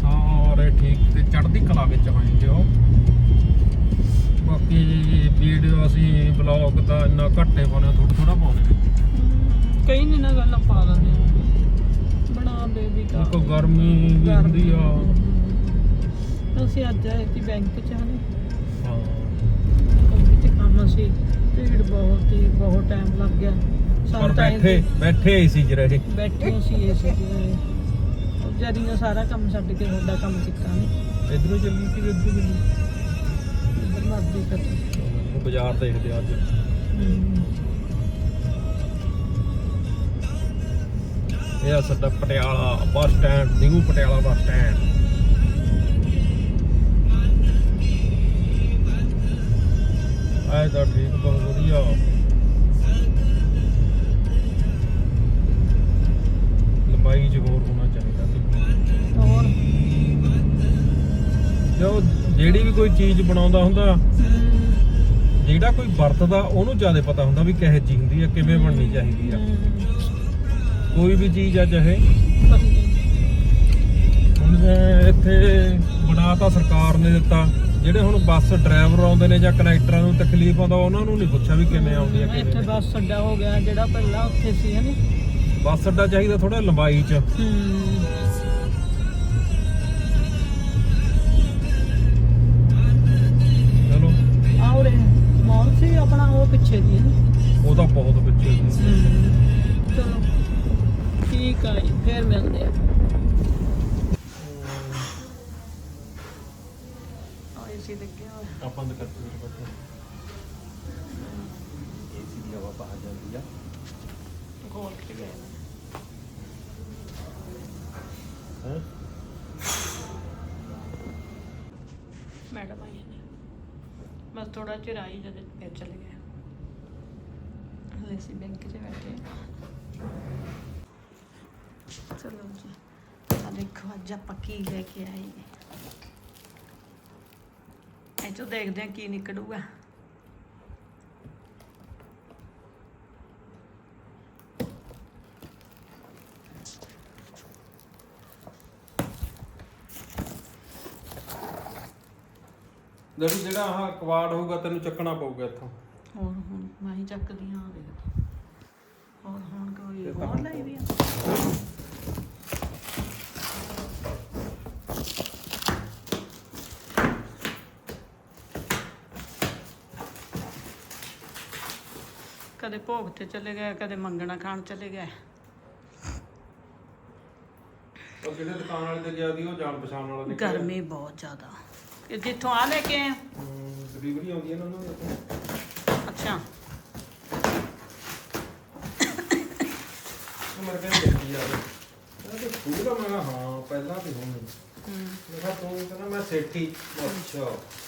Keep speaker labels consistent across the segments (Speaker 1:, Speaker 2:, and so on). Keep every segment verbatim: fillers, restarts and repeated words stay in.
Speaker 1: ਸਾਰੇ ਠੀਕ ਤੇ ਚੜ੍ਹਦੀ ਕਲਾ ਵਿੱਚ ਹੋਣਗੇ ਉਹ। ਬਾਕੀ ਵੀਡੀਓ ਅਸੀਂ ਬਲੌਗ ਦਾ ਇੰਨਾ ਘੱਟੇ ਪਾਉਣੇ, ਥੋੜਾ ਥੋੜਾ ਪਾਉਣੇ।
Speaker 2: ਕਈ ਨਹੀਂ ਨਾ ਗੱਲਾਂ ਪਾ ਦਿੰਦੇ ਆ ਬਣਾ ਬੇਬੀ ਦਾ।
Speaker 1: ਕੋਈ ਗਰਮੀ ਵੀ ਹੁੰਦੀ ਆ।
Speaker 2: ਅਸੀਂ ਅੱਜ ਆਏ ਸੀ ਬੈਂਕ 'ਚ ਹਨੇ।
Speaker 1: ਹਾਂ
Speaker 2: ਕੰਪਨੀ 'ਚ ਕੰਮ ਸੀ, ਭੀੜ ਬਹੁਤ ਹੀ ਬਹੁਤ ਟਾਈਮ ਲੱਗ ਗਿਆ।
Speaker 1: ਪਰ ਬੈਠੇ ਬੈਠੇ ਹੀ ਸੀ ਜਿਹੜੇ
Speaker 2: ਬੈਠੇ ਸੀ ਏ ਸੀ ਵਿਚਾਰੀ ਨੇ ਸਾਰਾ ਕੰਮ ਛੱਡ ਕੇ ਤੁਹਾਡਾ ਕੰਮ ਕੀਤਾ ਨੇ।
Speaker 1: ਇਧਰੋਂ ਚੱਲੀ ਸੀ ਇਧਰੋਂ ਚੱਲੀ
Speaker 2: ਇੱਧਰ ਮਰਜ਼ੀ ਕਰ
Speaker 1: ਬਾਜ਼ਾਰ ਦੇਖਦੇ ਅੱਜ। ਇਹ ਆ ਸਾਡਾ Patiala bus stand, new Patiala bus stand. ਆਏ ਤਾਂ ਠੀਕ, ਬਹੁਤ ਵਧੀਆ। ਲੰਬਾਈ ਚ ਹੋਰ ਹੋਣਾ ਚਾਹੀਦਾ ਸੀ।
Speaker 2: ਹੋਰ
Speaker 1: ਜੋ ਜਿਹੜੀ ਵੀ ਕੋਈ ਚੀਜ਼ ਬਣਾਉਂਦਾ ਹੁੰਦਾ, ਜਿਹੜਾ ਕੋਈ ਵਰਤਦਾ ਉਹਨੂੰ ਜ਼ਿਆਦਾ ਪਤਾ ਹੁੰਦਾ ਵੀ ਕਿਹੋ ਜਿਹੀ ਹੁੰਦੀ ਆ, ਕਿਵੇਂ ਬਣਨੀ ਚਾਹੀਦੀ ਆ ਕੋਈ ਵੀ ਚੀਜ਼ ਆ। ਚਾਹੇ ਹੁਣ ਇੱਥੇ ਬਣਾ ਤਾਂ ਸਰਕਾਰ ਨੇ ਦਿੱਤਾ, ਜਿਹੜੇ ਹੁਣ ਬੱਸ ਡਰਾਈਵਰ ਆਉਂਦੇ ਨੇ ਜਾਂ ਕਨੈਕਟਰਾਂ ਨੂੰ ਤਕਲੀਫ ਆਉਂਦਾ ਉਹਨਾਂ ਨੂੰ ਨਹੀਂ ਪੁੱਛਿਆ ਵੀ ਕਿਵੇਂ ਆਉਂਦੀ ਆ ਕਿਵੇਂ।
Speaker 2: ਇੱਥੇ ਬੱਸ ਅੱਡਾ ਹੋ ਗਿਆ ਜਿਹੜਾ ਪਹਿਲਾਂ ਉੱਥੇ ਸੀ ਹਨੇ।
Speaker 1: ਬੱਸ ਅੱਡਾ ਚਾਹੀਦਾ ਥੋੜਾ ਲੰਬਾਈ ਚ। ਚਲੋ
Speaker 2: ਆਹ ਉਰੇ ਮਾਲ ਸੀ ਆਪਣਾ, ਉਹ ਪਿੱਛੇ ਦੀ ਹੈ।
Speaker 1: ਉਹ ਤਾਂ ਬਹੁਤ ਪਿੱਛੇ ਸੀ।
Speaker 2: ਚਲੋ ਠੀਕ ਆ ਜੀ, ਫੇਰ ਮਿਲਦੇ ਆ। ਏਸੀ ਲੱਗਿਆ ਹੋਇਆ।
Speaker 1: ਆਪਾਂ ਬੰਦ ਕਰਦੇ ਹਾਂ ਬੱਚੇ। ਏਸੀ ਦੀ ਹਵਾ ਬਾਹਰ ਜਾਂਦੀ ਆ।
Speaker 2: ਖੋਲ ਕੇ ਗਏ
Speaker 1: ਹੈ
Speaker 2: ਮੈਡਮ ਆਈ ਨੇ, ਬਸ ਥੋੜਾ ਚਿਰ ਆਈ ਜਦ ਫਿਰ ਚਲੇ ਗਏ। ਹਲੇ ਅਸੀਂ ਬੈਂਕ 'ਚ ਬੈਠੇ। ਚਲੋ ਜੀ, ਆ ਦੇਖੋ ਅੱਜ ਆਪਾਂ ਕੀ ਲੈ ਕੇ ਆਏ। ਇਹ ਚੋਂ ਦੇਖਦੇ ਹਾਂ ਕੀ ਨਿਕਲੂਗਾ।
Speaker 1: ਜਿਹੜੀ ਜਿਹੜਾ ਆਹ ਕਵਾੜ ਹੋਊਗਾ ਤੈਨੂੰ ਚੱਕਣਾ ਪਊਗਾ ਇੱਥੋਂ।
Speaker 2: ਹੋਰ ਹੁਣ ਮੈਂ ਹੀ ਚੱਕਦੀ ਹਾਂ। ਦੇਖ ਹੋਰ ਹੁਣ ਕੋਈ ਹੋਰ ਲਈ ਵੀ ਆ। ਕਦੇ ਭੋਗ ਤੇ ਚਲੇ ਗਏ, ਕਦੇ ਮੰਗਣਾ ਖਾਣ ਚਲੇ ਗਏ।
Speaker 1: ਉਹ ਜਿਹੜੇ ਦੁਕਾਨ ਵਾਲੇ ਤੇ ਗਿਆ ਸੀ ਉਹ ਜਾਣ ਪਛਾਣ ਵਾਲਾ ਨਿਕਲਿਆ।
Speaker 2: ਗਰਮੀ ਬਹੁਤ ਜ਼ਿਆਦਾ। ਇਹ ਜਿੱਥੋਂ ਆ ਲੈ ਕੇ ਆਏ।
Speaker 1: ਡਿਲੀਵਰੀ ਆਉਂਦੀ ਹੈ ਨਾ ਉਹਨਾਂ ਦੀ।
Speaker 2: ਅੱਛਾ
Speaker 1: ਮੇਰੇ ਕਹਿੰਦੇ ਦੇਖੀ ਯਾਰ ਇਹ ਸਕੂਲ ਆ। ਮੈਂ ਕਿਹਾ ਹਾਂ ਪਹਿਲਾਂ ਤੇ ਹੁਣ ਨਹੀਂ। ਮੈਂ ਕਿਹਾ ਤੂੰ ਕਹਿੰਦਾ ਮੈਂ ਸੇਠੀ। ਅੱਛਾ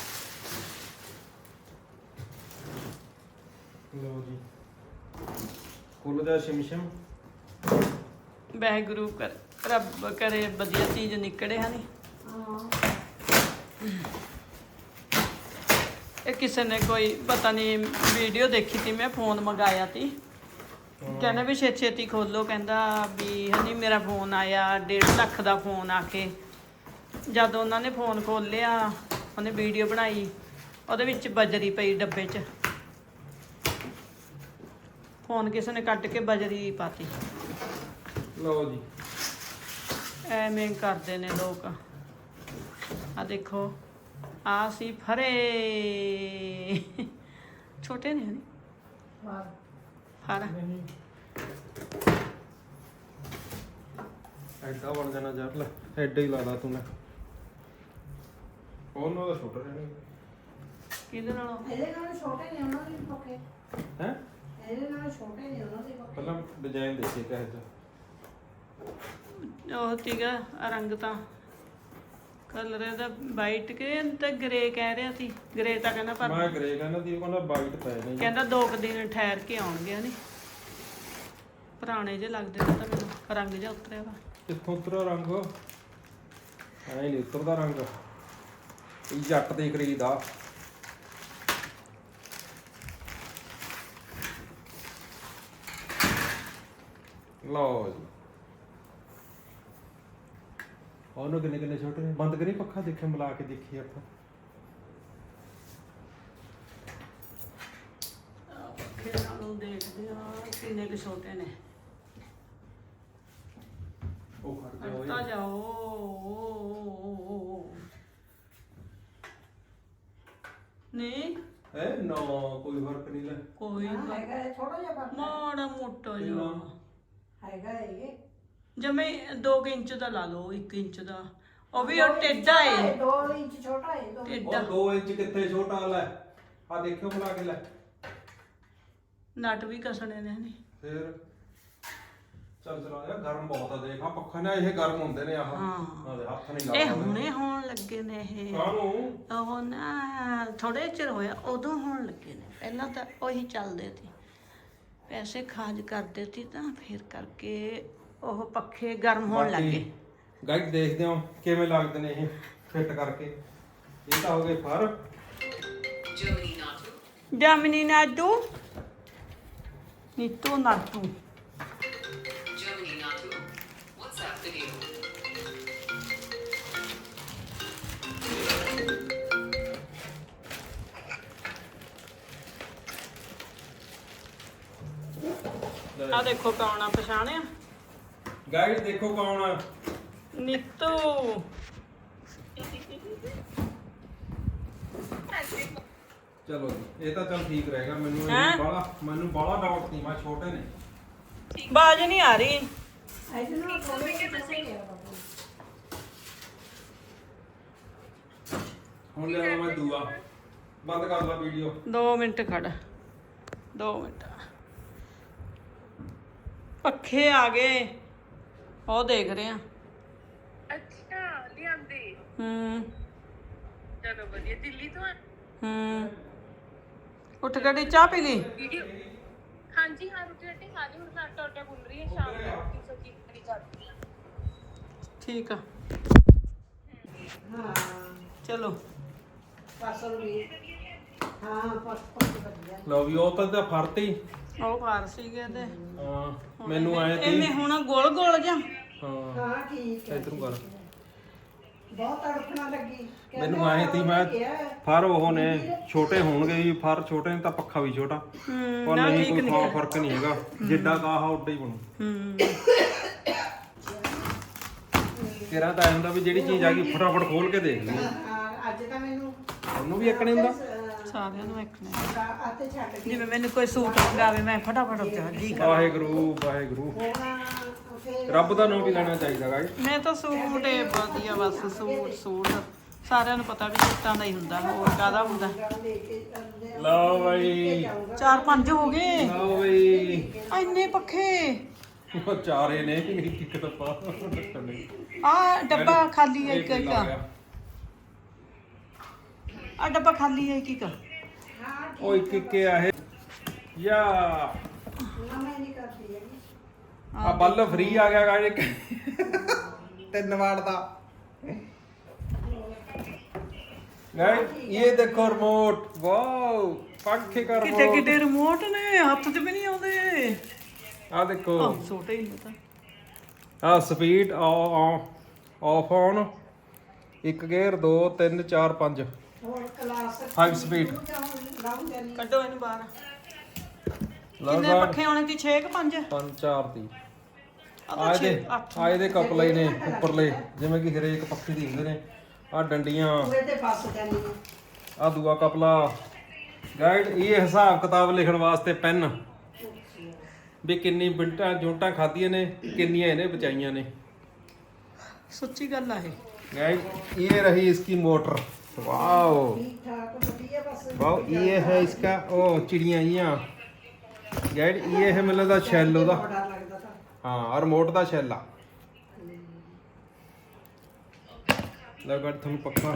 Speaker 1: ਲਓ ਜੀ, ਕੁੱਲ ਦਾ ਸ਼ਿਮਸ਼ਮ।
Speaker 2: ਵਾਹਿਗੁਰੂ ਕਰ ਰੱਬ ਕਰੇ ਵਧੀਆ ਚੀਜ਼ ਨਿਕਲੇ ਹਨ। ਇਹ ਕਿਸੇ ਨੇ ਕੋਈ ਪਤਾ ਨਹੀਂ ਵੀਡੀਓ ਦੇਖੀ ਤੀ, ਮੈਂ ਫੋਨ ਮੰਗਾਇਆ ਤੀ। ਕਹਿੰਦਾ ਵੀ ਛੇਤੀ ਛੇਤੀ ਖੋਲੋ, ਕਹਿੰਦਾ ਵੀ ਹਨੀ ਮੇਰਾ ਫੋਨ ਆਇਆ ਡੇਢ ਲੱਖ ਦਾ ਫੋਨ ਆ ਕੇ। ਜਦ ਉਹਨਾਂ ਨੇ ਫੋਨ ਖੋਲਿਆ, ਉਹਨੇ ਵੀਡੀਓ ਬਣਾਈ, ਉਹਦੇ ਵਿੱਚ ਬਜਰੀ ਪਈ ਡੱਬੇ 'ਚ। ਫੋਨ ਕਿਸੇ ਨੇ ਕੱਢ ਕੇ ਬਜਰੀ ਪਾਤੀ।
Speaker 1: ਲਓ ਜੀ,
Speaker 2: ਐਵੇਂ ਕਰਦੇ ਨੇ ਲੋਕ। ਆ ਦੇਖੋ, ਆ ਸੀ ਫਰੇ ਛੋਟੇ ਨੇ ਹਨੀ ਫਰ।
Speaker 1: ਐਡਾ ਬਣ ਜਾਣਾ ਯਾਰ। ਲੈ ਐਡਾ ਹੀ ਲਾ ਲਾ ਤੂੰ। ਲੈ ਉਹਨਾਂ ਦਾ ਛੋਟਾ ਰਹਿਣਾ।
Speaker 2: ਕਿਹਦੇ ਨਾਲੋਂ?
Speaker 3: ਇਹਦੇ ਨਾਲ ਛੋਟੇ ਨੇ ਉਹਨਾਂ ਦੇ ਪੱਕੇ।
Speaker 1: ਹੈ
Speaker 3: ਇਹਦੇ ਨਾਲ ਛੋਟੇ ਨੇ ਉਹਨਾਂ ਦੇ ਪੱਕੇ।
Speaker 1: ਪਹਿਲਾਂ ਡਿਜ਼ਾਈਨ ਦੇਖੀ ਕਿਹੋ ਜਿਹਾ।
Speaker 2: ਉਹ ਸੀਗਾ ਰੰਗ ਤਾਂ ਕਲਰ ਇਹਦਾ ਵਾਈਟ ਕੇ ਤੇ ਗ੍ਰੇ ਕਹਿ ਰਿਹਾ ਸੀ। ਗ੍ਰੇ ਤਾਂ ਕਹਿੰਦਾ ਪਰ
Speaker 1: ਮੈਂ ਗ੍ਰੇ ਕਹਿੰਦਾ ਸੀ, ਉਹ ਕਹਿੰਦਾ ਵਾਈਟ ਪੈ ਨੇ।
Speaker 2: ਕਹਿੰਦਾ ਦੋ ਕੁ ਦਿਨ ਠਹਿਰ ਕੇ ਆਉਣਗੇ ਨਹੀਂ। ਪੁਰਾਣੇ ਜਿਹੇ ਲੱਗਦੇ ਨੇ ਤਾਂ ਮੈਨੂੰ, ਰੰਗ ਜਿਹਾ ਉਤਰਿਆ ਵਾ।
Speaker 1: ਕਿੱਥੋਂ ਉਤਰਿਆ ਰੰਗ? ਐ ਨਹੀਂ ਉਤਰਦਾ ਰੰਗ, ਇਹ ਜੱਟ ਦੇ ਖਰੀਦ ਆ। ਲਓ ਜੀ, ਉਹਨੂੰ ਕਿੰਨੇ ਕਿੰਨੇ ਛੋਟੇ ਨੇ। ਬੰਦ ਕਰੀ ਪੱਖਾ, ਦੇਖੇ ਮਿਲਾ ਕੇ ਦੇਖੀ ਆਪਾਂ।
Speaker 2: ਪੱਖੇ ਨਾਲੋਂ ਦੇਖਦੇ ਆ ਕਿੰਨੇ ਕੁ ਛੋਟੇ ਨੇ।
Speaker 1: ਉਹ ਖੜ ਗਿਆ
Speaker 2: ਹਟਦਾ
Speaker 1: ਓਏ।
Speaker 2: ਜਾਓ। ਨਹੀਂ
Speaker 1: ਹੈ ਨਾ ਕੋਈ ਫਰਕ ਨਹੀਂ ਲੈ।
Speaker 2: ਕੋਈ
Speaker 3: ਹਾਂ, ਹੈਗਾ ਇਹ ਥੋੜਾ ਜਿਹਾ ਫਰਕ ਹੈ।
Speaker 2: ਮਾੜਾ ਮੋਟਾ ਜਿਹਾ
Speaker 3: ਹੈਗਾ ਇਹ
Speaker 2: ਜਿਵੇਂ ਦੋ ਕੁ ਇੰਚ ਦਾ ਲਾ ਲਓ, ਇੱਕ ਇੰਚ ਦਾ। ਉਹ ਵੀ ਉਹ ਟੇਢਾ ਏ।
Speaker 3: ਦੋ ਇੰਚ ਛੋਟਾ ਹੈ ਦੋ
Speaker 2: ਟੇਢਾ
Speaker 1: ਉਹ ਦੋ ਇੰਚ ਕਿੱਥੇ ਛੋਟਾ ਲੈ। ਆ ਦੇਖਿਓ ਮਿਲਾ ਕੇ ਲੈ।
Speaker 2: ਨਟ ਵੀ ਕਸਣੇ ਨੇ ਨਹੀਂ।
Speaker 1: ਫਿਰ ਚੱਲ ਚਲਾ ਯਾਰ, ਗਰਮ ਬਹੁਤ ਆ। ਦੇਖ ਆ ਪੱਖਾ ਨਾ, ਇਹ ਗਰਮ ਹੁੰਦੇ ਨੇ। ਆਹ
Speaker 2: ਹਾਂ।
Speaker 1: ਆ ਦੇ ਹੱਥ ਨਹੀਂ
Speaker 2: ਇਹ
Speaker 1: ਲੱਗਦਾ।
Speaker 2: ਹੁਣੇ ਹੋਣ ਲੱਗੇ ਨੇ ਇਹ।
Speaker 1: ਕਾਹਨੂੰ?
Speaker 2: ਉਹ ਨਾ ਥੋੜੇ ਚਿਰ ਹੋਇਆ ਉਦੋਂ ਹੋਣ ਲੱਗੇ ਨੇ। ਪਹਿਲਾਂ ਤਾਂ ਉਹੀ ਚੱਲਦੇ ਸੀ, ਪੈਸੇ ਖਾਜ ਕਰਦੇ ਸੀ ਤਾਂ ਫਿਰ ਕਰਕੇ ਉਹ ਪੱਖੇ ਗਰਮ ਹੋਣ ਲੱਗੇ।
Speaker 1: ਗਾਈਡ ਦੇਖਦੇ ਹਾਂ ਕਿਵੇਂ ਲੱਗਦੇ ਨੇ ਇਹ ਫਿੱਟ ਕਰਕੇ। ਇਹ ਤਾਂ ਹੋ ਗਏ ਫਰ
Speaker 2: ਜਾਮਨੀ ਨਾਟੂ Neetu ਨਾਟੂ
Speaker 4: Germany Natu. WhatsApp video.
Speaker 2: ਆ ਦੇਖੋ ਕੌਣ ਆ, ਪਛਾਣਿਆ?
Speaker 1: ਗਾਈਡ ਦੇਖੋ ਕੌਣ ਆ।
Speaker 2: ਨੀਤੂ।
Speaker 1: ਚਲੋ ਜੀ, ਇਹ ਤਾਂ ਚੱਲ ਠੀਕ ਰਹੇਗਾ। ਮੈਨੂੰ
Speaker 2: ਹੈਂ?
Speaker 1: ਬਾਲਾ ਮੈਨੂੰ ਬਾਲਾ ਡਾਊਟ ਨਹੀਂ। ਮੈਂ ਛੋਟੇ ਨੇ।
Speaker 2: ਬਾਜ ਨਹੀਂ ਆ ਰਹੀ।
Speaker 3: ਇਹਦੇ ਨਾਲ ਥੋੜੇ ਜਿਹੇ ਪੈਸੇ ਲਿਆ ਬਾਬੂ।
Speaker 1: ਹੁਣ ਲਿਆ ਮੈਂ ਦੂਆ। ਬੰਦ ਕਰ ਲਾ ਵੀਡੀਓ।
Speaker 2: ਦੋ ਮਿੰਟ ਖੜ, ਦੋ ਮਿੰਟ। ਪੱਖੇ ਆ ਗਏ, ਉਹ ਦੇਖ ਰਹੇ ਆ।
Speaker 5: ਅੱਛਾ ਲਿਆਂਦੇ।
Speaker 2: ਹੂੰ
Speaker 5: ਚਲੋ ਵਧੀਆ। ਦਿੱਲੀ ਤੋਂ ਆ?
Speaker 2: ਹੂੰ ਉੱਠ ਗੱਡੀ ਚਾਹ ਪੀ ਲਈ?
Speaker 5: ਵੀਡੀਓ ਹਾਂਜੀ ਹਾਂ, ਰੋਟੀ ਰੱਟੀ ਖਾ ਲਈ। ਹੁਣ ਮੈਂ ਆਟਾ ਆਟਾ ਗੁੰਨ ਰਹੀ ਹਾਂ। ਸ਼ਾਮ ਨੂੰ ਰੋਟੀ ਸਬਜ਼ੀ ਕਰੀ ਜਾਂਦੀ ਹਾਂ।
Speaker 2: ਠੀਕ ਆ,
Speaker 3: ਹਾਂ
Speaker 2: ਚਲੋ।
Speaker 3: ਫਸਲ ਵੀ ਹਾਂ ਫਸ ਫਸ ਵਧੀਆ।
Speaker 1: ਲਓ ਵੀ ਉਹ ਤਾਂ ਤਾਂ ਫਰਤੀ।
Speaker 2: ਉਹ ਫਾਰ ਸੀਗੇ ਤੇ
Speaker 1: ਹਾਂ ਮੈਨੂੰ ਆਏ ਤੀ।
Speaker 2: ਇਹਨੇ ਹੁਣ ਗੋਲ ਗੋਲ ਜਾਂ
Speaker 1: ਹਾਂ
Speaker 3: ਹਾਂ ਠੀਕ ਹੈ।
Speaker 1: ਇਧਰੋਂ ਕਰ।
Speaker 3: ਬਹੁਤ ਤੜਫਣਾ ਲੱਗੀ।
Speaker 1: ਮੈਨੂੰ ਆਏ ਤੀ ਮੈਂ ਫਰ ਉਹ ਨੇ ਛੋਟੇ ਹੋਣਗੇ ਜੀ। ਫਰ ਛੋਟੇ ਨੇ ਤਾਂ ਪੱਖਾ ਵੀ ਛੋਟਾ।
Speaker 2: ਹੂੰ
Speaker 1: ਪਰ
Speaker 2: ਨਾ
Speaker 1: ਨਹੀਂ
Speaker 2: ਠੀਕ
Speaker 1: ਕੋਈ
Speaker 2: ਨਹੀਂ
Speaker 1: ਖਾਸ ਫਰਕ ਨਹੀਂ ਹੈਗਾ। ਜਿੱਡਾ ਕਾਹਾ ਉੱਡਾ ਹੀ ਬਣੂ।
Speaker 2: ਹੂੰ
Speaker 1: ਤੇਰਾ ਤਾਂ ਐ ਹੁੰਦਾ ਵੀ ਜਿਹੜੀ ਚੀਜ਼ ਆ ਗਈ ਫਟਾਫਟ ਖੋਲ ਕੇ ਦੇਖ ਲਈ।
Speaker 3: ਹਾਂ ਅੱਜ ਤਾਂ ਮੈਨੂੰ
Speaker 1: ਉਹਨੂੰ ਵੀ ਇੱਕ ਨਹੀਂ ਹੁੰਦਾ।
Speaker 2: ਸਾਰਿਆਂ ਨੂੰ ਵੇਖਣਾ।
Speaker 3: ਆਤੇ ਛੱਡ ਕੇ
Speaker 2: ਜਿਵੇਂ ਮੈਨੂੰ ਕੋਈ ਸੂਟ ਮੰਗਾਵੇ ਮੈਂ ਫਟਾਫਟ ਜੀ ਕਰ।
Speaker 1: ਵਾਹਿਗੁਰੂ ਵਾਹਿਗੁਰੂ।
Speaker 3: ਹੁਣ ਫਿਰ
Speaker 1: ਰੱਬ ਦਾ ਨਾਮ ਵੀ ਲੈਣਾ ਚਾਹੀਦਾ ਗਾਇਸ।
Speaker 2: ਮੈਂ ਤਾਂ ਸੂਟ ਏ ਵਧੀਆ, ਬਸ ਸੂਟ ਸੂਟ ਸਾਰਿਆਂ ਨੂੰ ਪਤਾ ਵੀ ਸੂਟਾਂ ਦਾ ਹੀ ਹੁੰਦਾ, ਹੋਰ ਕਾਹਦਾ ਹੁੰਦਾ।
Speaker 3: ਲੈ ਕੇ ਆਉਂਦੇ ਆ।
Speaker 1: ਲਓ ਬਈ,
Speaker 2: ਚਾਰ ਪੰਜ ਹੋ ਗਏ।
Speaker 1: ਲਓ ਬਈ।
Speaker 2: ਇੰਨੇ ਪੱਖੇ।
Speaker 1: ਉਹ ਚਾਰੇ ਨੇ ਇੱਕ ਤਾਂ ਪਾ ਨਹੀਂ।
Speaker 2: ਆ ਡੱਬਾ ਖਾਲੀ ਹੈ ਇੱਕ ਇੱਕ। ਆ ਡੱਬਾ ਖਾਲੀ ਹੈ ਇੱਕ ਇੱਕ।
Speaker 1: ਉਹ ਇੱਕ ਇੱਕ ਆ ਇਹ ਯਾ
Speaker 3: ਨਾ ਮੈਂ ਨਹੀਂ ਕਰਦੀ ਹੈਗੀ।
Speaker 1: ਆ ਬੱਲ ਫ੍ਰੀ ਆ ਗਿਆ ਗਾਇਸ। ਤਿੰਨ ਵਾਟ ਦਾ। ਗਾਇਸ ਇਹ ਦੇਖੋ ਰਿਮੋਟ। ਵਾਓ ਪੱਖੇ ਕਰ
Speaker 2: ਕਿਤੇ ਕਿਤੇ ਰਿਮੋਟ ਨੇ ਹੱਥ 'ਚ ਵੀ ਨਹੀਂ ਆਉਂਦੇ।
Speaker 1: ਆ ਦੇਖੋ।
Speaker 2: ਆ ਛੋਟੇ ਹੀ ਹੁੰਦਾ।
Speaker 1: ਆ ਸਪੀਡ ਆਫ ਔਨ। ਇੱਕ ਗੇਅਰ ਦੋ ਤਿੰਨ ਚਾਰ ਪੰਜ।
Speaker 3: ਹੋਰ ਕਲਾਸ
Speaker 1: Five speed।
Speaker 3: ਲਾਉਂ ਜਾਨੀ।
Speaker 2: ਕੱਢੋ ਇਹਨੂੰ ਬਾਹਰ।
Speaker 1: ਲਓ
Speaker 2: ਕਿੰਨੇ
Speaker 1: ਗਾਇਸ
Speaker 2: ਪੱਖੇ ਹੋਣੇ ਸੀ? ਛੇ ਕਿ ਪੰਜ?
Speaker 1: ਪੰਜ ਚਾਰ ਦੀ।
Speaker 2: ਆ
Speaker 1: ਆ
Speaker 2: ਤਾਂ
Speaker 1: ਇਹਦੇ
Speaker 2: ਛੇ ਅੱਠ।
Speaker 1: ਆ ਇਹਦੇ ਕਪਲੇ ਨੇ ਉੱਪਰਲੇ, ਜਿਵੇਂ ਕਿ ਹਰੇਕ ਪੱਖੇ ਦੀ ਹੁੰਦੇ ਨੇ। ਆ ਡੰਡੀਆਂ।
Speaker 3: ਉਹਦੇ ਤੇ ਫਸ ਜਾਨੀ ਆ।
Speaker 1: ਆ ਦੂਆ ਕਪਲਾ। ਗਾਈਡ ਇਹ ਹਿਸਾਬ ਕਿਤਾਬ ਲਿਖਣ ਵਾਸਤੇ ਪੈਨ ਵੀ ਕਿੰਨੀ ਬਿੰਟਾਂ ਜੋਟਾਂ ਖਾਧੀਆਂ ਨੇ, ਕਿੰਨੀਆਂ ਇਹਨੇ ਬਚਾਈਆਂ ਨੇ।
Speaker 2: ਸੱਚੀ ਗੱਲ ਆ ਇਹ।
Speaker 1: गाइस ये रही इसकी मोटर। वाओ
Speaker 3: ठीक ठाक बढ़िया बस।
Speaker 1: वाओ ये है इसका ओ चिड़िया यहाँ गाइड ये है मतलब दा शैल ओदा।
Speaker 3: बड़ा लगदा था।
Speaker 1: हाँ और रिमोट दा शैल आ। लो गाइड थोड़ा पक्का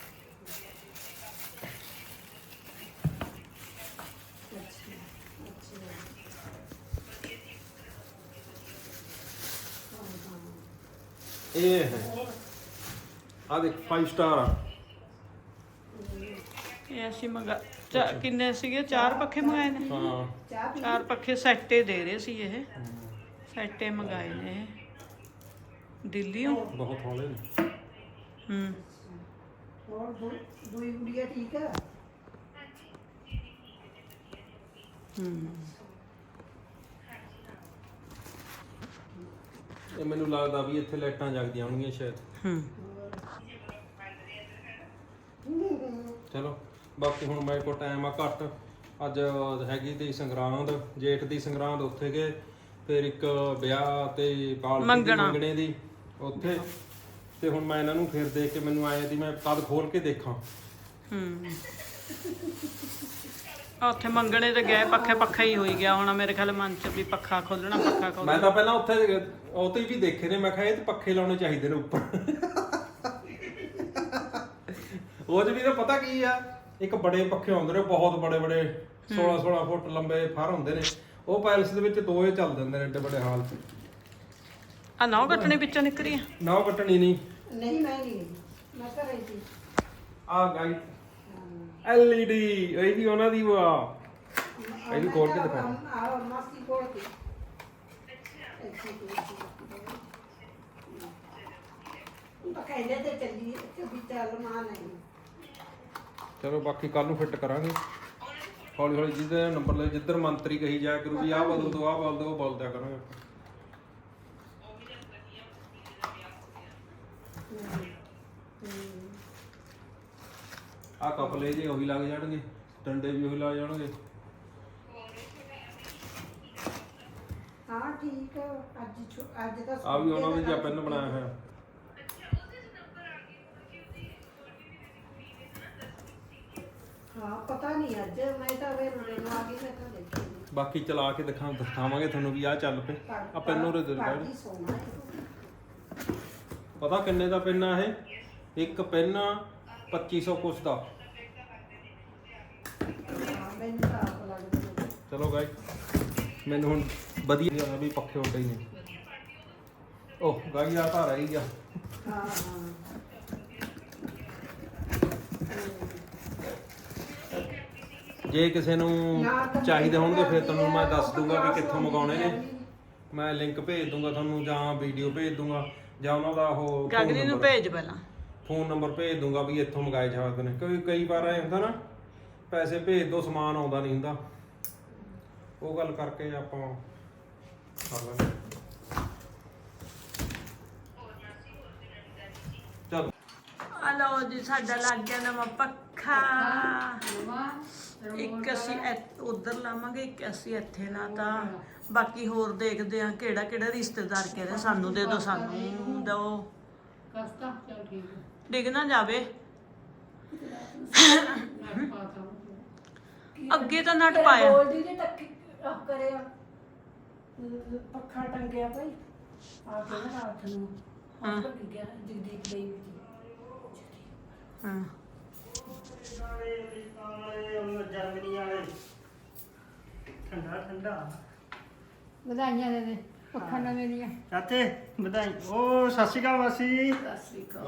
Speaker 1: ये है आ देख फाइव स्टार आ।
Speaker 2: ਇਹ ਅਸੀਂ ਮੰਗਾ ਚਾ- ਕਿੰਨੇ ਸੀਗੇ? ਚਾਰ ਪੱਖੇ ਮੰਗਾਏ ਨੇ।
Speaker 1: हाँ
Speaker 3: चाह पी।
Speaker 2: ਚਾਰ ਪੱਖੇ ਸੈੱਟੇ ਦੇ ਰਹੇ ਸੀ ਇਹ। ਸੈੱਟੇ ਮੰਗਾਏ ਨੇ ਇਹ। ਦਿੱਲੀੋਂ
Speaker 1: ਬਹੁਤ ਹੌਲੇ ਨੇ।
Speaker 2: ਹੂੰ
Speaker 3: ਹੋਰ ਦੂ- ਦੂਈ ਗੁੜੀਆ ਠੀਕ ਆ?
Speaker 2: ਹੂੰ
Speaker 1: ਇਹ ਮੈਨੂੰ ਲੱਗਦਾ ਵੀ ਇੱਥੇ ਲਾਈਟਾਂ ਜਗਦੀਆਂ ਹੋਣਗੀਆਂ ਸ਼ਾਇਦ।
Speaker 2: ਹੂੰ
Speaker 1: ਚਲੋ ਬਾਕੀ ਹੁਣ ਮੇਰੇ ਕੋਲ ਟਾਈਮ ਆ ਘੱਟ। ਅੱਜ ਹੈਗੀ ਤੇ ਸੰਗਰਾਂਦ, ਜੇਠ ਦੀ ਸੰਗਰਾਂਦ, ਉੱਥੇ ਗਏ। ਫਿਰ ਇੱਕ ਵਿਆਹ ਤੇ ਪਾਲਕੀ ਦੀ
Speaker 2: ਮੰਗਣਾ।
Speaker 1: ਮੰਗਣੇ ਦੀ ਉੱਥੇ। ਤੇ ਹੁਣ ਮੈਂ ਇਹਨਾਂ ਨੂੰ ਫਿਰ ਦੇਖ ਕੇ ਮੈਨੂੰ ਆਏ ਦੀ ਮੈਂ ਕਦ ਖੋਲ ਕੇ ਦੇਖਾਂ।
Speaker 2: ਹੂੰ ਉੱਥੇ ਮੰਗਣੇ ਤੇ ਗਏ, ਪੱਖੇ ਪੱਖਾ ਹੀ ਹੋਈ ਗਿਆ ਹੋਣਾ ਮੇਰੇ ਖਿਆਲ ਮਨ ਚ ਵੀ ਪੱਖਾ ਖੋਲਣਾ ਪੱਖਾ
Speaker 1: ਮੈਂ
Speaker 2: ਖੋਲਣਾ।
Speaker 1: ਤਾਂ ਪਹਿਲਾਂ ਉੱਥੇ ਉਹ ਤੇ ਵੀ ਦੇਖੇ ਨੇ, ਮੈਂ ਕਿਹਾ ਇਹ ਤੇ ਪੱਖੇ ਲਾਉਣੇ ਚਾਹੀਦੇ ਨੇ ਉੱਪਰ। ਉਹ 'ਚ ਵੀ ਤਾਂ ਪਤਾ ਕੀ ਆ, ਇੱਕ ਬੜੇ ਪੱਖੇ ਆਉਂਦੇ ਨੇ ਬਹੁਤ ਬੜੇ ਬੜੇ ਸੋਲਾਂ ਸੋਲਾਂ ਫੁੱਟ ਲੰਬੇ ਫਰ ਹੁੰਦੇ ਨੇ। ਉਹ ਪੈਲਸ ਦੇ ਵਿੱਚ ਦੋ ਹੀ ਚੱਲ ਦਿੰਦੇ ਨੇ ਏਡੇ ਵੱਡੇ ਹਾਲ 'ਚ।
Speaker 2: ਆ ਨੌ ਕੱਟਣੇ ਵਿੱਚੋਂ ਨਿਕਰੀ ਆ।
Speaker 1: ਨਾ ਕੱਟਣੀ ਨਹੀਂ।
Speaker 3: ਨਹੀਂ ਮੈਂ ਨਹੀਂ ਗਈ, ਮੈਂ ਘਰੇ ਸੀ।
Speaker 1: ਆ ਗਾਈ ਐਲ ਈ ਡੀ ਇਹ ਵੀ ਉਹਨਾਂ ਦੀ ਵਾ। ਇਹ ਵੀ ਖੋਲ ਕੇ ਦਿਖਾ।
Speaker 3: ਆ ਮਾਸੀ ਕੋਲ ਸੀ। ਅੱਛਾ ਤਾਂ ਕਹਿੰਦੇ ਤੇ ਚੱਲੀ ਕਿ ਵੀ ਚੱਲ ਮਾਂ ਨਹੀਂ।
Speaker 1: ਚਲੋ ਬਾਕੀ ਕੱਲ ਨੂੰ ਫਿੱਟ ਕਰਾਂਗੇ ਹੌਲੀ ਹੌਲੀ। ਜਿਹਦੇ ਨੰਬਰ ਲੈ ਜਿੱਧਰ ਮੰਤਰੀ ਕਹੀ ਜਾਇਆ ਕਰੂ ਵੀ ਆਹ ਬਦਲ ਦੋ ਆਹ ਬਦਲ ਦੋ, ਉਹ ਬਦਲਦਿਆ ਕਰਾਂਗੇ। ਆ ਕਪਲੇ ਜੇ ਉਹੀ ਲੱਗ ਜਾਣਗੇ, ਡੰਡੇ ਵੀ ਉਹੀ ਲੱਗ ਜਾਣਗੇ।
Speaker 3: ਹਾਂ ਠੀਕ ਆ। ਅੱਜ ਛੁ- ਅੱਜ ਤਾਂ
Speaker 1: ਆ ਵੀ ਉਹਨਾਂ ਨੇ ਜਿਹਾ ਪੈਨ ਬਣਾਇਆ ਹੋਇਆ।
Speaker 3: ਹਾਂ ਪਤਾ ਨਹੀਂ ਅੱਜ ਮੈਂ ਤਾਂ ਵੇ ਰੋਲੇ ਨੂੰ ਆ ਗਈ ਮੈਂ ਤਾਂ ਦੇਖੀ ਨਹੀਂ।
Speaker 1: ਬਾਕੀ ਚਲਾ ਕੇ ਦਿਖਾ ਦਿਖਾਵਾਂਗੇ ਤੁਹਾਨੂੰ ਵੀ ਆਹ ਚੱਲ ਪਏ। ਆ ਪੈਨ ਉਰੇ ਦੇ ਦਿਓ।
Speaker 3: ਕਾਢੀ ਸੋਨਾ ਹੈ।
Speaker 1: ਪਤਾ ਕਿੰਨੇ ਦਾ ਪੈਨ ਆ ਇਹ? ਇੱਕ ਪੈਨ ਪੱਚੀ ਸੌ ਕੁਛ ਦਾ।
Speaker 3: ਹਾਂ ਮੈਨੂੰ ਤਾਂ ਆਪ ਲੱਗਦਾ।
Speaker 1: ਚਲੋ ਗਾਈ ਮੈਨੂੰ ਹੁਣ ਵਧੀਆ ਵੀ ਪੱਖੇ ਉੱਡੇ ਹੀ ਨੇ। ਉਹ ਗਾਈ ਆ ਤਾਂ ਰਹੀ ਗਿਆ।
Speaker 3: ਹਾਂ ਹਾਂ
Speaker 1: ਜੇ ਕਿਸੇ ਨੂੰ ਚਾਹੀਦੇ ਹੋਣਗੇ ਫਿਰ ਤੁਹਾਨੂੰ ਮੈਂ ਦੱਸ ਦੂੰਗਾ ਵੀ ਕਿੱਥੋਂ ਮੰਗਾਉਣੇ ਨੇ। ਮੈਂ ਲਿੰਕ ਭੇਜ ਦੂੰਗਾ ਤੁਹਾਨੂੰ ਜਾਂ ਵੀਡੀਓ ਭੇਜ ਦੂੰਗਾ ਜਾਂ ਉਹਨਾਂ ਦਾ ਉਹ
Speaker 2: ਗਗਰੀ ਨੂੰ ਭੇਜ ਪਹਿਲਾਂ।
Speaker 1: ਫੋਨ ਨੰਬਰ ਭੇਜ ਦੂੰਗਾ ਵੀ ਇੱਥੋਂ ਮੰਗਾਏ ਜਾਂਦੇ ਨੇ। ਕਿਉਂਕਿ ਕਈ ਵਾਰ ਐ ਹੁੰਦਾ ਨਾ ਪੈਸੇ ਭੇਜ ਦੋ ਸਮਾਨ ਆਉਂਦਾ ਨਹੀਂ ਹੁੰਦਾ। ਉਹ ਗੱਲ ਕਰਕੇ ਆਪਾਂ ਕਰ ਲਾਂਗੇ। ਚਲ
Speaker 2: ਆ ਲਓ ਜੀ ਸਾਡਾ ਲੱਗ ਗਿਆ ਨਵਾਂ ਪੱਖਾ। ਇੱਕ ਅਸੀਂ ਉਧਰ ਲਾਵਾਂਗੇ, ਇੱਕ ਅਸੀਂ ਇੱਥੇ ਲਾਤਾ। ਬਾਕੀ ਹੋਰ ਦੇਖਦੇ ਆ ਕਿਹੜਾ ਕਿਹੜਾ ਰਿਸ਼ਤੇਦਾਰ ਕਹਿੰਦੇ ਸਾਨੂੰ ਦੇ ਦਿਓ ਸਾਨੂੰ ਦਿਓ।
Speaker 6: ਕਸਤਾ ਚਲ ਠੀਕ ਹੈ।
Speaker 2: ਡਿੱਗ ਨਾ ਜਾਵੇ। ਅੱਗੇ ਤਾਂ ਨਟ ਪਾਇਆ।
Speaker 3: ਬੋਲਦੀ ਨੇ ਟੱਕੀ ਆਹ ਕਰਿਆ ਅਹ ਪੱਖਾ ਟੰਗਿਆ ਭਾਈ ਆ ਕੇ ਨਾ ਰਾਤ ਨੂੰ ਹਾਂ ਟੱਕ ਗਿਆ ਜਗਦੀਪ ਲਈ ਵਿੱਚ
Speaker 2: ਹਾਂ
Speaker 7: ਜਰਮਨੀ ਵਾਲੇ ਠੰਡਾ ਠੰਡਾ
Speaker 6: ਵਧਾਈਆਂ ਦੇ ਦੇ ਪੱਖਾ ਨਵੇਂ ਦੀਆਂ।
Speaker 7: ਚਾਚੇ ਵਧਾਈ। ਉਹ ਸਤਿ ਸ਼੍ਰੀ ਅਕਾਲ ਮਾਸੀ।
Speaker 1: ਹਫਤਾ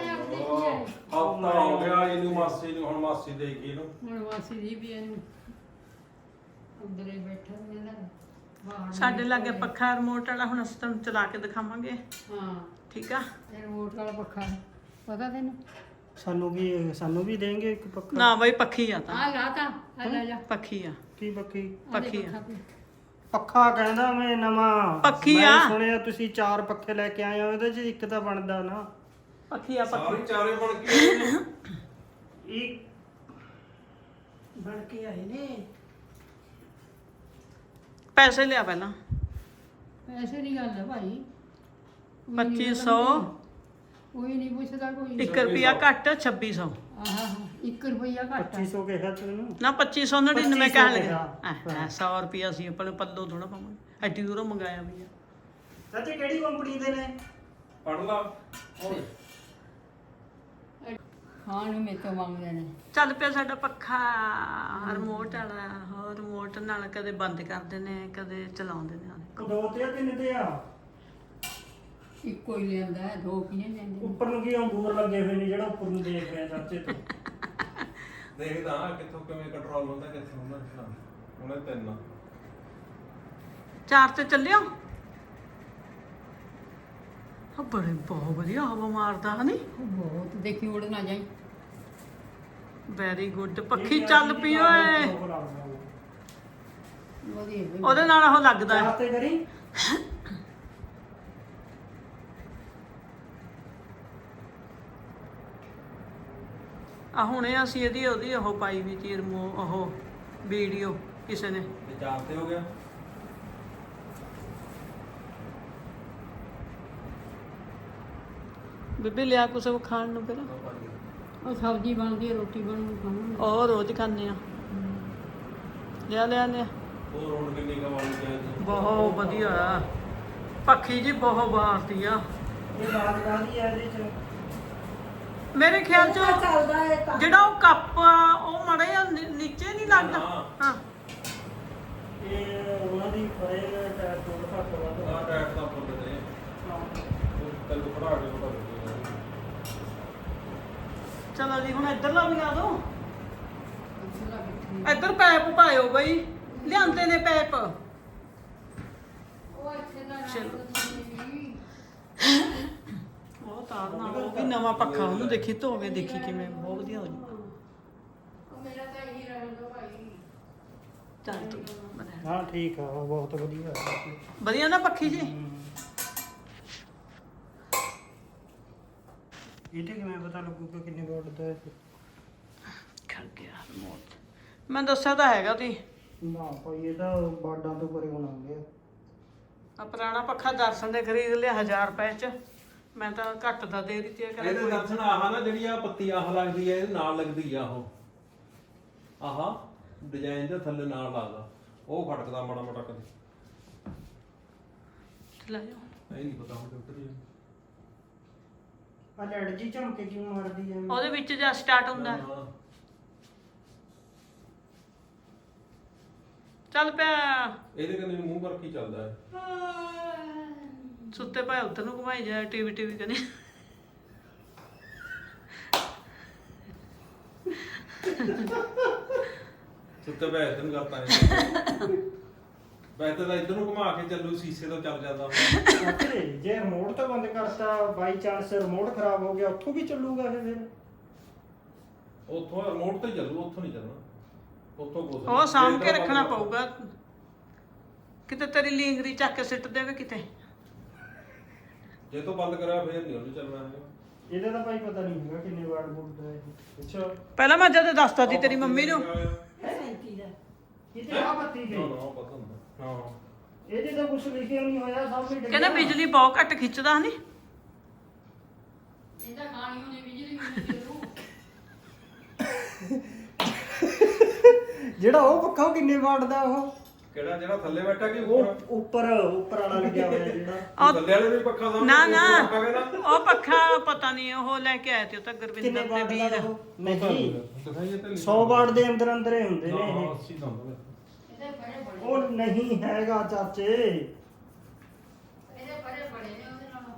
Speaker 1: ਹੋ ਗਿਆ ਇਹਨੂੰ ਮਾਸੀ ਨੂੰ, ਹੁਣ ਮਾਸੀ ਦੇ ਗਈ ਇਹਨੂੰ।
Speaker 6: ਹੁਣ ਵਾਸੀ ਜੀ ਵੀ ਇਹਨੂੰ ਅੰਦਰੇ ਬੈਠਾ ਨੇ ਨਾ ਬਾਹਰ।
Speaker 2: ਸਾਡੇ ਲਾਗੇ ਪੱਖਾ ਰਿਮੋਟ ਵਾਲਾ, ਹੁਣ ਅਸੀਂ ਤੁਹਾਨੂੰ ਚਲਾ ਕੇ ਦਿਖਾਵਾਂਗੇ।
Speaker 6: ਹਾਂ
Speaker 2: ਠੀਕ ਆ।
Speaker 6: ਇਹ ਰਿਮੋਟ ਵਾਲਾ ਪੱਖਾ ਹੈ। ਪਤਾ ਤੈਨੂੰ?
Speaker 7: ਸਾਨੂੰ ਵੀ ਸਾਨੂੰ ਵੀ ਦੇਂਗੇ ਇੱਕ ਪੱਖਾ।
Speaker 2: ਨਾ ਬਈ ਪੱਖੀ ਆ ਤਾਂ
Speaker 6: ਆ ਲਾਤਾ ਆ ਲੈ ਜਾ।
Speaker 2: ਪੱਖੀ ਆ
Speaker 7: ਕੀ ਪੱਖੀ?
Speaker 2: ਪੱਖੀ ਆ।
Speaker 7: ਪੱਖਾ ਕਹਿੰਦਾ ਮੈਂ ਨਵਾਂ।
Speaker 2: ਪੱਖੀ
Speaker 7: ਮੈਂ
Speaker 2: ਆ।
Speaker 7: ਸੁਣਿਆ ਤੁਸੀਂ ਚਾਰ ਪੱਖੇ ਲੈ ਕੇ ਆਏ ਹੋ, ਇਹਦੇ ਚ ਇੱਕ ਤਾਂ ਬਣਦਾ ਨਾ।
Speaker 2: ਪੱਖੀ ਆ ਪੱਖੀ।
Speaker 1: ਸਾਰੇ ਚਾਰੇ ਬਣ ਕੇ
Speaker 7: ਇੱਕ
Speaker 3: ਬਣ ਕੇ ਆਏ ਨੇ।
Speaker 2: ਪੈਸੇ ਲਿਆ ਪਹਿਲਾਂ।
Speaker 6: ਪੈਸੇ ਦੀ ਗੱਲ ਹੈ ਭਾਈ।
Speaker 2: ਪੱਚੀ ਸੌ
Speaker 6: ਕੋਈ ਨਹੀਂ ਪੁੱਛਦਾ ਕੋਈ।
Speaker 2: ਇੱਕ ਰੁਪਿਆ ਘੱਟ ਛੱਬੀ ਸੌ।
Speaker 6: ਆਹ ਇੱਕ ਰੁਪਈਆ ਘੱਟ
Speaker 7: ਪੱਚੀ
Speaker 6: ਹੈ।
Speaker 7: ਸੌ ਕਿਹਾ ਤੈਨੂੰ।
Speaker 2: ਨਾ ਪੱਚੀ ਸੌ ਨੜਿਨਵੇਂ ਕਹਿਣ ਲੱਗੇ।
Speaker 7: ਹਾਂ।
Speaker 2: ਐ ਸੌ ਰੁਪਿਆ ਸੀ ਆਪਣੇ ਪੱਲੋ ਥੋੜਾ ਪਾਵਾਂਗੇ। ਐਡੀ ਦੂਰੋਂ ਮੰਗਾਇਆ ਵੀ ਆ।
Speaker 7: ਚਾਚੇ ਕਿਹੜੀ ਕੰਪਨੀ ਦੇ ਨੇ?
Speaker 1: ਪੜ ਲਾ।
Speaker 6: ਖਾਣ ਨੂੰ ਮੇਰੇ ਤੋਂ ਮੰਗਦੇ ਨੇ।
Speaker 2: ਚੱਲ ਪਿਆ ਸਾਡਾ ਪੱਖਾ ਰਿਮੋਟ ਵਾਲਾ। ਹੋਰ ਰਿਮੋਟ ਨਾਲ ਕਦੇ ਬੰਦ ਕਰਦੇ ਨੇ ਕਦੇ ਚਲਾਉਂਦੇ ਨੇ।
Speaker 7: ਉਹ ਦੋ ਤੇ ਆ ਤਿੰਨ ਤੇ ਆ?
Speaker 6: ਇੱਕੋ ਹੀ ਲਿਆਂਦਾ ਹੈ, ਦੋ ਕਿਹਨੇ ਲੈਂਦੇ?
Speaker 7: ਉੱਪਰ ਨੂੰ ਕੀ ਅੰਗੂਰ ਲੱਗੇ ਹੋਏ ਨੇ ਜਿਹੜਾ ਉੱਪਰ ਨੂੰ ਦੇਖ ਰਿਹਾ ਚਾਚੇ ਤੋਂ।
Speaker 1: ਦੇਖਦਾ ਹਾਂ ਕਿੱਥੋਂ ਕਿਵੇਂ ਕੰਟਰੋਲ ਹੁੰਦਾ ਕਿੱਥੋਂ ਹੁੰਦਾ। ਉਹਨੇ ਤਿੰਨ
Speaker 2: ਚਾਰ ਤੇ ਚੱਲਿਓ। ਆ ਬੜੇ ਬਹੁਤ ਵਧੀਆ ਹਵਾ ਮਾਰਦਾ ਹਨੀ।
Speaker 6: ਬਹੁਤ ਦੇਖੀ ਉੜ ਨਾ ਜਾਈ।
Speaker 2: Very good. ਪੱਖੀ ਚੱਲ ਪਈ ਓਏ।
Speaker 6: ਵਧੀਆ ਬਈ।
Speaker 2: ਉਹਦੇ ਨਾਲ ਉਹ ਲੱਗਦਾ ਹੈ।
Speaker 7: ਤੇ ਕਰੀ
Speaker 2: ਆ ਹੁਣੇ ਅਸੀਂ ਇਹਦੀ ਉਹਦੀ ਉਹ ਪਾਈ ਵੀ ਤੀ ਰਮੋ ਉਹ ਵੀਡੀਓ ਕਿਸੇ ਨੇ।
Speaker 1: ਚਾਰ ਤੇ ਹੋ ਗਿਆ।
Speaker 2: ਬੀਬੀ ਲਿਆ ਕੁਛ ਖਾਣ ਨੂੰ ਫਿਰ।
Speaker 6: ਉਹ ਸਬਜ਼ੀ ਬਣਦੀ ਹੈ, ਰੋਟੀ ਬਣੂ ਖਾਵਾਂਗੇ।
Speaker 2: ਉਹ ਰੋਜ਼ ਖਾਂਦੇ ਆ। ਲਿਆ ਲਿਆ ਲਿਆ।
Speaker 1: ਹੋਰ ਹੁਣ ਕਿੰਨੀ ਕਮਾਉਣੀ ਚਾਹੀਦੀ।
Speaker 2: ਬਹੁਤ ਵਧੀਆ ਆ ਪੱਖੀ ਜੀ, ਬਹੁਤ ਬਾਰਤੀ ਆ।
Speaker 7: ਇਹ ਬਾਤ ਕਾਹਦੀ ਆ ਇਹਦੇ ਚ?
Speaker 2: ਮੇਰੇ ਖਿਆਲ ਚ
Speaker 3: ਚੱਲਦਾ ਹੈ ਤਾਂ
Speaker 2: ਜਿਹੜਾ ਉਹ ਕੱਪ ਆ ਉਹ ਮੜੇ ਨੀਚੇ ਨਹੀਂ ਲੱਗਦਾ। ਹਾਂ
Speaker 7: ਇਹ ਉਹਨਾਂ ਦੀ ਫਰੇ ਟਾਇਰ ਤੋਂ ਘੱਟ ਵੱਧ
Speaker 1: ਆ ਟੈਟ ਦਾ ਫੁੱਲ ਤੇ ਉਹ ਕੱਲ ਪੜਾ ਕੇ ਪਤਾ ਲੱਗੇਗਾ।
Speaker 2: ਚਲੋ ਜੀ ਹੁਣ ਇੱਧਰ ਲਾ ਵੀ ਆ ਦੋ। ਇੱਧਰ ਪੈਪ ਪਾਇਓ ਬਈ, ਲਿਆਂਦੇ ਨੇ ਪੈਪ।
Speaker 6: ਉਹ ਇੱਥੇ ਦਾ
Speaker 2: ਚਲੋ। ਉਹ ਤਾਰ ਨਾਲ ਉਹ ਵੀ ਨਵਾਂ ਪੱਖਾ ਉਹਨੂੰ ਦੇਖੀ ਧੋਵੇ, ਦੇਖੀ ਕਿਵੇਂ ਬਹੁਤ ਵਧੀਆ ਹੋ ਜੂ।
Speaker 6: ਉਹ ਮੇਰਾ ਤਾਂ ਇਹੀ ਰਹਿਣ ਦੋ ਭਾਈ।
Speaker 2: ਚੱਲ ਤੂੰ ਬਣਾ।
Speaker 7: ਹਾਂ ਠੀਕ ਆ, ਉਹ ਬਹੁਤ ਵਧੀਆ
Speaker 2: ਵਧੀਆ ਨਾ ਪੱਖੀ ਜੀ।
Speaker 7: ਇਹਦੇ ਕਿਵੇਂ ਪਤਾ ਲੱਗੂਗਾ ਕਿੰਨੇ ਵਾਟ ਦਾ ਹੈ?
Speaker 2: ਖੜ ਗਿਆ ਰਿਮੋਟ। ਮੈਂ ਦੱਸਿਆ ਤਾਂ ਹੈਗਾ ਤੀ।
Speaker 7: ਨਾ ਭਾਈ ਇਹ ਤਾਂ ਬਾਡਾਂ ਤੋਂ ਪਰੇ ਹੋਣਾ ਗਿਆ।
Speaker 2: ਆ ਪੁਰਾਣਾ ਪੱਖਾ ਦਰਸ਼ਨ ਦੇ ਖਰੀਦ ਲਿਆ ਹਜ਼ਾਰ ਰੁਪਏ ਚ। ਮੈਂ ਤਾਂ ਘੱਟ ਦਾ ਦੇ ਦਿੱਤੀ।
Speaker 1: ਇਹਦੇ ਦਰਸ਼ਨ ਆਹ ਨਾ ਜਿਹੜੀ ਆ ਪੱਤੀ ਆਹ ਲੱਗਦੀ ਹੈ, ਇਹਦੇ ਨਾਲ ਲੱਗਦੀ ਆ ਉਹ ਆਹ ਡਿਜ਼ਾਈਨ ਦੇ ਥੱਲੇ ਨਾਲ ਲੱਗਦਾ। ਉਹ ਖੜਕਦਾ ਮਾੜਾ ਮਾੜਾ ਕਦੇ।
Speaker 2: ਲੈ ਜਾਓ।
Speaker 1: ਇਹ ਨਹੀਂ ਪਤਾ ਹੁਣ ਡਾਕਟਰ ਜੀ।
Speaker 7: ਆ ਲੈਡ ਜੀ ਝਮਕੇ ਕਿਉਂ ਮਾਰਦੀ ਐ?
Speaker 2: ਉਹਦੇ ਵਿੱਚ ਜਾਂ ਸਟਾਰਟ ਹੁੰਦਾ। ਚੱਲ ਪਿਆ।
Speaker 1: ਇਹਦੇ ਕੰਨੇ ਮੂੰਹ ਕਰਕੇ ਹੀ ਚੱਲਦਾ ਹੈ।
Speaker 2: ਸੁੱਤੇ ਪਏ ਉੱਧਰ ਨੂੰ ਘੁਮਾਈ ਜਾਏ, ਟੀਵੀ ਟੀਵੀ ਕਨੇ।
Speaker 1: ਸੁੱਤੇ ਪਏ ਇਧਰ ਨੂੰ ਕਰਤਾ ਹੈ। ਵੈਸੇ ਤਾਂ ਇਧਰ ਨੂੰ ਘੁਮਾ ਕੇ ਚੱਲੂ, ਸੀਸੇ ਤੋਂ ਚੱਲ ਜਾਂਦਾ ਹੁੰਦਾ।
Speaker 7: ਅੱਛੇ ਜੇ ਰਿਮੋਟ ਤੋਂ ਬੰਦ ਕਰਤਾ, ਬਾਈ ਚਾਂਸ ਰਿਮੋਟ ਖਰਾਬ ਹੋ ਗਿਆ, ਉੱਥੋਂ ਵੀ ਚੱਲੂਗਾ ਇਹ ਫਿਰ?
Speaker 1: ਉੱਥੋਂ ਰਿਮੋਟ ਤੇ ਚੱਲੂ, ਉੱਥੋਂ ਨਹੀਂ ਚੱਲਣਾ। ਉੱਥੋਂ ਕੁਛ
Speaker 2: ਉਹ ਸਾਂਭ ਕੇ ਰੱਖਣਾ ਪਊਗਾ। ਕਿਤੇ ਤੇਰੀ ਲੀਂਗਰੀ ਚੱਕ ਕੇ ਸਿੱਟ ਦੇਵੇ ਕਿਤੇ।
Speaker 1: ਜੇ ਤੋਂ ਬੰਦ ਕਰਿਆ ਫੇਰ ਨਹੀਂ ਉਹਨੂੰ ਚੱਲਣਾ ਹੈਗਾ।
Speaker 7: ਇਹਦਾ ਤਾਂ ਭਾਈ ਪਤਾ ਨਹੀਂ ਹੈਗਾ ਕਿੰਨੇ ਵਾਟ ਬੋਲਦਾ ਇਹ।
Speaker 1: ਅੱਛਾ
Speaker 2: ਪਹਿਲਾਂ ਮੈਂ ਜਦ ਦੱਸਤਾ ਸੀ ਤੇਰੀ ਮੰਮੀ ਨੂੰ।
Speaker 3: ਸੈਂਤੀ ਦਾ
Speaker 7: ਕਿਤੇ ਆ ਬੱਤੀ
Speaker 1: ਨਾ
Speaker 7: ਗਈ।
Speaker 1: ਨਾ ਪਤਾ ਹੁੰਦਾ। ਹਾਂ
Speaker 7: ਇਹਦੇ ਤਾਂ ਕੁਝ ਲਿਖਿਆ ਨਹੀਂ ਹੋਇਆ, ਸਭ ਵੀ
Speaker 2: ਕਹਿੰਦਾ ਬਿਜਲੀ ਬਹੁਤ ਘੱਟ ਖਿੱਚਦਾ ਨਹੀਂ।
Speaker 6: ਇਹਦਾ ਖਾਣੀ ਹੋਣੀ ਬਿਜਲੀ ਨਹੀਂ ਜ਼ਰੂਰ।
Speaker 7: ਜਿਹੜਾ ਉਹ ਪੱਖਾ ਉਹ ਕਿੰਨੇ ਵਾਟ ਦਾ? ਉਹ
Speaker 1: ਕਿਹੜਾ ਜਿਹੜਾ ਥੱਲੇ ਬੈਠਾ ਕਿ
Speaker 7: ਉਹ
Speaker 1: ਉੱਪਰ?
Speaker 7: ਉੱਪਰ ਉੱਪਰ ਵਾਲਾ ਲੱਗਿਆ ਹੋਇਆ ਜਿਹੜਾ।
Speaker 2: ਉਹ-
Speaker 1: ਥੱਲੇ ਵਾਲੇ ਵੀ ਪੱਖਾ ਦਾ
Speaker 2: ਨਾ ਨਾ ਉਹ ਪੱਖਾ ਪਤਾ ਨਹੀਂ ਉਹ ਲੈ ਕੇ ਆਏ ਤੇ ਉਹ ਤਾਂ
Speaker 7: ਕਿੰਨੇ
Speaker 2: ਗੁਰਵਿੰਦਰ ਦੇ
Speaker 7: ਵਾਟ ਦਾ
Speaker 2: ਵੀਰ।
Speaker 7: ਉਹ? ਨਹੀਂ
Speaker 1: ਦਿਖਾਈਏ ਤੇ
Speaker 7: ਸੌ ਵਾਟ ਦੇ ਅੰਦਰ ਅੰਦਰ ਹੀ ਹੁੰਦੇ ਨੇ
Speaker 1: ਹਾਂ
Speaker 7: ਇਹ।
Speaker 1: ਅੱਸੀ ਦਾ ਹੁੰਦਾ।
Speaker 6: ਇਹਦੇ ਬੜੇ ਬੜੇ
Speaker 7: ਉਹ ਨਹੀਂ ਹੈਗਾ ਚਾਚੇ।
Speaker 6: ਇਹਦੇ ਬੜੇ ਬੜੇ ਨੇ ਉਹਦੇ ਨਾਲੋਂ।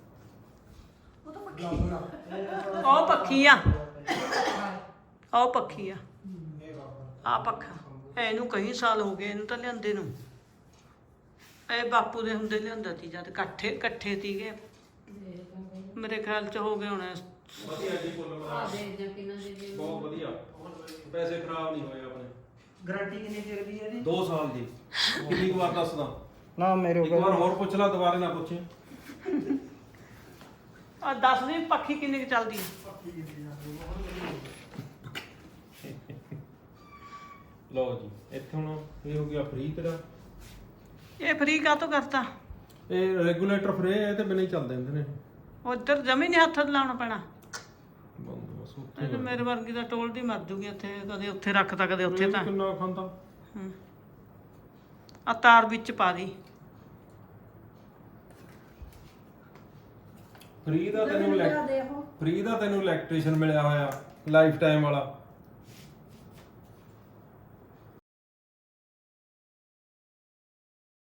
Speaker 2: ਉਹ ਪੱਖੀ ਆ, ਉਹ ਪੱਖੀ ਆ। ਆ ਪੱਖਾ ਇਹਨੂੰ ਕਈ ਸਾਲ ਹੋ ਗਏ ਇਹਨੂੰ ਤਾਂ ਲਿਆਂਦੇ ਨੂੰ। ਇਹ ਬਾਪੂ ਦੇ ਹੁੰਦੇ ਲਿਆਂਦਾ ਸੀ ਜਦ ਇਕੱਠੇ ਇਕੱਠੇ ਸੀਗੇ। ਮੇਰੇ ਖਿਆਲ ਚ ਹੋ ਗਏ ਹੋਣੇ।
Speaker 1: ਵਧੀਆ ਜੀ ਕੁੱਲ
Speaker 6: ਆ
Speaker 1: ਮਿਲਾ
Speaker 6: ਦੇ ਦੇ ਕਿੰਨਾ ਦੇ ਦੇ।
Speaker 1: ਬਹੁਤ ਵਧੀਆ। ਪੈਸੇ ਖਰਾਬ ਨਹੀਂ ਹੋਏ ਆਪਣੇ।
Speaker 7: ਗਾਰੰਟੀ ਕਿੰਨੀ ਚਿਰ ਦੀ ਹੈ ਇਹਦੀ?
Speaker 1: ਦੋ ਸਾਲ ਦੀ। ਕਿੰਨੀ ਕੁ ਵਾਰ ਦੱਸਦਾ?
Speaker 7: ਨਾ ਮੇਰੇ
Speaker 1: ਇੱਕ ਵਾਰ ਹੋਰ ਪੁੱਛ ਲੈ, ਦੁਬਾਰੇ ਨਾ ਪੁੱਛੀ।
Speaker 2: ਆ ਦੱਸ ਦੀ ਪੱਖੀ ਕਿੰਨੀ ਕੁ ਚੱਲਦੀ ਆ।
Speaker 1: ਲਓ ਜੀ ਇੱਥੇ ਹੁਣ ਇਹ ਹੋ ਗਿਆ ਫ੍ਰੀ ਤੇਰਾ।
Speaker 2: ਇਹ ਫ੍ਰੀ ਕਾਹਤੋਂ ਕਰਤਾ?
Speaker 1: ਇਹ ਰੈਗੂਲੇਟਰ ਫ੍ਰੀ ਹੈ ਤੇ ਬਿਨਾਂ ਹੀ ਚੱਲਦੇ ਹੁੰਦੇ ਨੇ।
Speaker 2: ਉਧਰ ਜਮੀ ਨਹੀਂ ਹੱਥ ਲਾਉਣਾ ਪੈਣਾ।
Speaker 1: ਬੰਦ ਬਸ ਉੱਥੇ
Speaker 2: ਇਹ ਤਾਂ ਮੇਰੇ ਵਰਗੀ ਦਾ ਟੋਲਦੀ ਮਰ ਜੂਗੀ ਇੱਥੇ, ਕਦੇ ਉੱਥੇ ਰੱਖਤਾ ਕਦੇ ਉੱਥੇ ਤਾਂ।
Speaker 1: ਕਿੰਨਾ ਖਾਂਦਾ?
Speaker 2: ਹੂੰ। ਆ ਤਾਰ ਵਿੱਚ ਪਾ ਦੀ।
Speaker 1: ਫ੍ਰੀ ਦਾ ਤੈਨੂੰ
Speaker 3: ਦੇ ਉਹ
Speaker 1: ਫ੍ਰੀ ਦਾ ਤੈਨੂੰ ਇਲੈਕਟ੍ਰੀਸ਼ੀਅਨ ਮਿਲਿਆ ਹੋਇਆ ਲਾਈਫ ਟਾਈਮ ਵਾਲਾ।